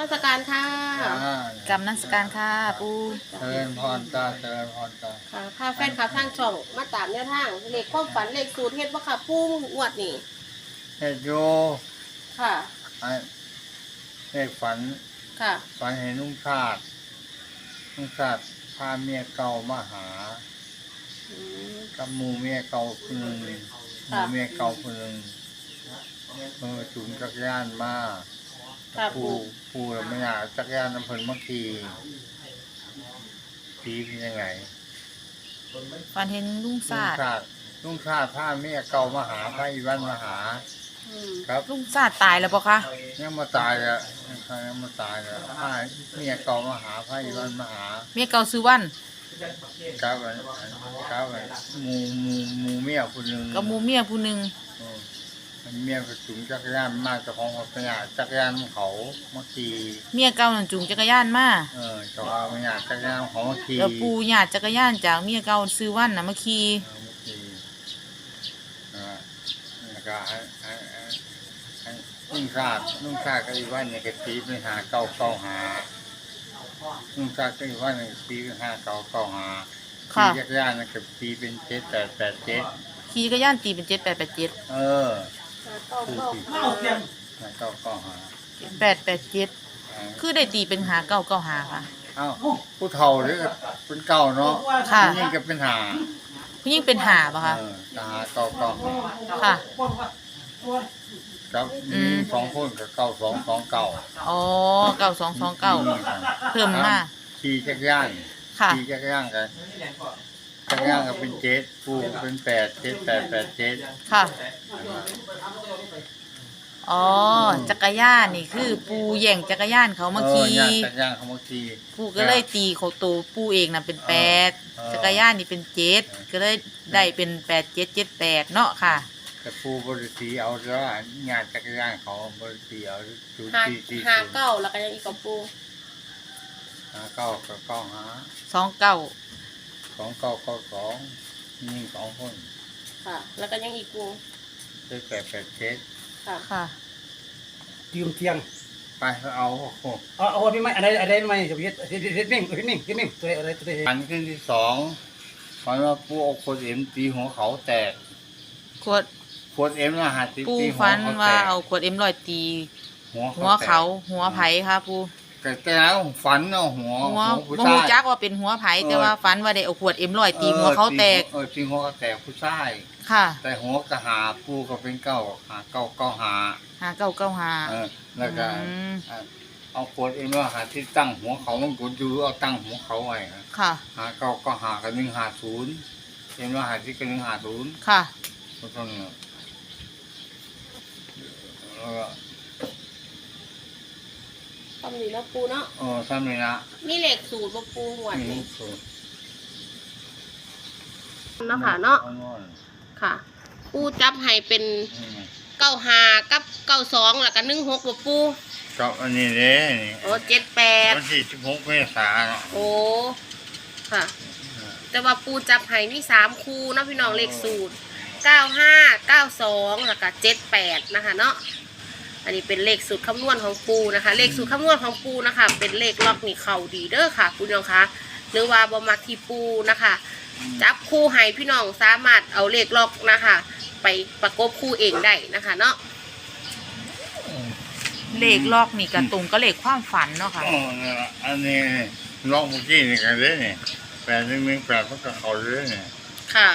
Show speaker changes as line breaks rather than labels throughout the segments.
มัสการค่ะ
กำนักการค่ะปู
เจริญพรจ้าเจริญพรจ้า
ค่ะพาแฟนคลับทางช่องมาตามแนวทางเลขความฝันเลขสูตรเฮ็ดบ่ค่ะปูงวดนี่
เฮ็ดโย
ค่ะ
ไอ้เลขฝัน
ค่ะ
ฝันเห็นลุงชาติพาเมียเก่ามาหากับหมู่เมียเก่าคนหนึ่งหมู่เมียเก่าคนหนึ่งจุนจักรยานมาผู้เราไม่อยากจักรยานน้ำเพลินเมื่อกี้ผีเป็นยังไง
ฝันเห็นลุงชาติ
พาเมียเก่ามาหาพระอีวันมาหาครับ
ลุงชาติตายแล้วปะคะ
ยังมาตายแล้วยังมาตายแล้วพาเมียเก่ามาหาพระอีวันมาหา
เมียเก่าซื้อวัน
ครับหมูเมียผู้หนึ่ง
กับหมูเมียผู้หนึ่ง
เมียก็จุงจักรยานมาเจ้าของปัญญาจักรยานเขาเมื่อกี้
เมียเก่าหนึ่งจุงจักรยานมา
เจ้าเอาปัญญาจักรยานของเมื่อกี้
แล้วปูหยาดจักรยานจากเมียเก่าซื้อวันนะเมื่อกี้
แล้วก็ลุงชาติก็อีกวันเนี่ยก็ตีไปหาเก่าหาลุงชาติก็อีกวันเนี่ยตีไปหาเก่าหาขี่จักรยานเนี่ยก็ตีเป็น7887
ขี่จักรยานตีเป็น7887
เก้าหา
887คือได้ตีเป็นหา995ค่ะ
อ้าวผู้เฒ่าหรือเป็นเก่าเนาะ
ค่ะ
ผู้หญิงก็เป็นหา
ผู้หญิงเป็นหาป่ะคะ
หาเก่า
ค่ะ
ครับ2 คนกับ9229
อ๋อ9229เพิ่มมา
ขี่จักรยาน
ค่ะ
จักรยานกันจักรยานก็เป็น7ผู้เป็น87887
ค่ะอ๋อจักรยานนี่คือปูแย่งจักรยานเขามาขี่
จักรยานเขามาขี่
ปูก็เลยตีเขาตัวปูเองน่ะเป็น8จักรยานนี่เป็น7ก็เลยได้เป็น8778เนาะค่ะ
แต่ปูบริสีเอาแล้วงานจักรยานเขาบริสีเอา
หาเก้าแล้วก็ยังอีกกับปู
หาเก้ากับเก้าหา2992นี่2 คน
ค่ะแล้วก็ยังอีกปู
เป็น887
ค่ะ
ยืมเทียง
ไปเอา
พี่ไม่อะไรไม่จะพิจนิ่งตัวอะไร
อันขึ้นที่2ฝันว่าปูเอาขวดเอ็มตีหัวเขาแตกขวดเอ็มนะฮะตี
ปูฝันว่าเอาขวดเอ็มลอยตีหัวเขาหัวไผ่ค่ะปู
แต่แล้วฝันเอาหัว
ผู้ชายจักว่าเป็นหัวไผ่แต่ว่าฝันว่าได้เอาขวดเอ็มลอยตีหัวเขาแตก
ตีหัวเขาแตกผู้ชาย
ค่ะ
แต่หัวกระหาปูก็เป็นเก้าหาแล้วก็เอาขวดเอ็มว่าหาที่ตั้งหัวเขามันกดดูเอาตั้งหัวเขาไว้
ค่ะ
หาก็หากัน150เอ็มว่าหาที่กัน150
ค่ะ
ก็ต้อง
ทำนี่นะปูเนาะ
ทำนี่นะ
นี่เหล็กสูตรบ่ปูหวดนี่เนาะค่ะเนาะค่ะปูจับให้เป็น95กับ92แล้วก็16บ่ปู
กับอันนี้เด้นี่
78
วันที่16เมษายน
โอ้ค่ะแต่ว่าปูจับให้มี3คู่เนาะพี่น้องเลขสูตร95 92แล้วก็78นะคะเนาะอันนี้เป็นเลขสูตรคำนวณของปูนะคะเลขสูตรคำนวณของปูนะคะเป็นเลขล็อกนี่เข่าดีเด้อค่ะพี่น้องคะหรือว่าบ่มักที่ปูนะคะจับคู่ให้พี่น้องสามารถเอาเลขล็อกนะคะไปประกบคู่เองได้นะคะเนาะ
เลขล็อกนี่กระตุงก็เลขความฝันเนาะค่ะ
อันนี้ล็อกเมื่อกี้นี่กันเลยนี่818มันก็เขาเลยนี่
ค่ะ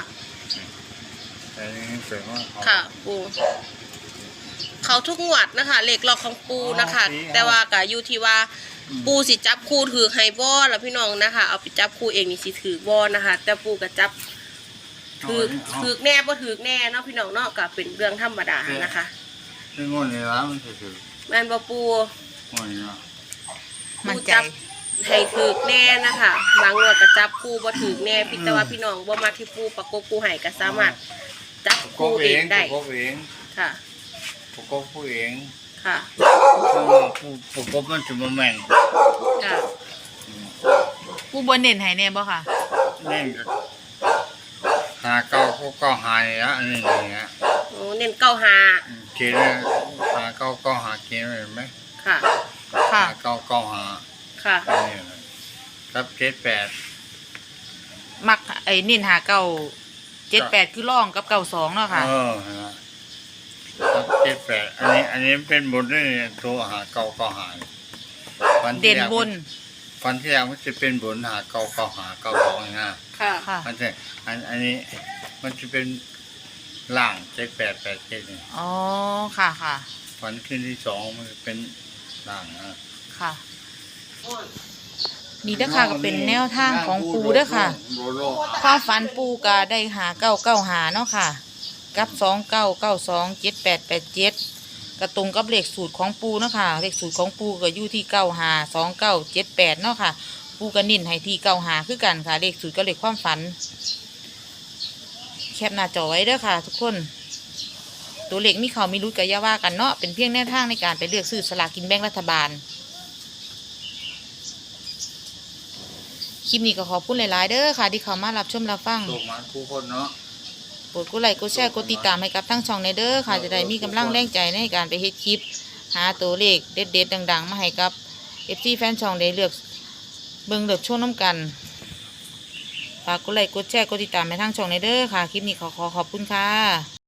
818
ค่ะปูเขาทุกงวดนะคะเลขล็อกของปูนะคะแต่ว่าก็อยู่ที่ว่าปูสิจับคู่ถือไฮบอลแล้วพี่น้องนะคะเอาไปจับคู่เองนี่สิถือบอลนะคะแต่ปูก็จับถือแน่บ่ถือแน่เนาะพี่น้องเนาะก็เป็นเรื่องธรรมดานะคะ
ซึ่งงวดนี้แล้วมันถือ
แม่นบ่ปู
มัน
จับให้ถือแน่นะคะบางงวดก็จับคู่บ่ถือแน่พี่แต่ว่าพี่น้องบ่มาที่ปูประกบคู่ให้ก็สามารถจับคู่เองได้ค่ะ
ประกบผู้เอง
ค่ะ
ประกบมันจะมาแม่น
ค่ะ
ผู้บนเด่นหายแน่บ่ค่ะ
เน่นหาเก้าก็หายอ่ะอันนี้เนี่ย
โอ้เน้น95
เขียนหาเก้าก็หาเขียนเห็นไหม
ค่ะ
ค่ะ
เก้าเก้าหา
ค่ะ
อันนี้นะครับ78
มักไอ้เน้นหาเก้า78คือร่องกับ92เนาะค่ะ
ครับ78อันนี้เป็นบนด้วยตัวหาเก้าเก้าหาฟันที่
เด่น
แรก
บน
ฟันที่แรกมันจะเป็นบนหาเก้าเก้าหาเก้าสองนะ
ค่ะ
ค่ะ
มันจะอันนี้มันจะเป็นล่าง7887นี่
อ๋อค่ะค่ะ
ฟันขึ้นที่2มันจะเป็นล่างนะ
ค่ะ นี่เด้อค่ะก็เป็นแนวทางของปูเด้อค่ะ ความฝันปูก็ได้หา995เนาะค่ะ กับ29927887กระตรงกับเลขสูตรของปูเนาะค่ะเลขสูตรของปูก็อยู่ที่952978เนาะค่ะ ปูก็นิ่นให้ที่95คือกันค่ะ เลขสูตรกับเลขความฝัน แคปหน้าจอไว้เด้อค่ะ ทุกคน ตัวเลขมีเขามีรุดกับยาว่ากันเนาะเป็นเพียงแนวทางในการไปเลือกซื้อสลากกินแบ่งรัฐบาล คลิปนี้ก็ขอบคุณหลายๆเด้อค่ะ ที่เข้ามารับชมรับฟัง
ตกมาคู่คนเนาะ
กดไลค์กดแชร์กดติดตามให้กับทั้งช่องในเด้อค่ะ จะได้มีกำลังแรงใจในการไปเฮ็ดคลิป หาตัวเลขเด็ดๆดังๆ มาให้กับ FC แฟนช่องได้เลือกเบิ่งเลือกชมน้ำกันฝากกดไลค์กดแชร์กดติดตามให้ทั้งช่องในเด้อค่ะ คลิปนี้ขอขอบคุณค่ะ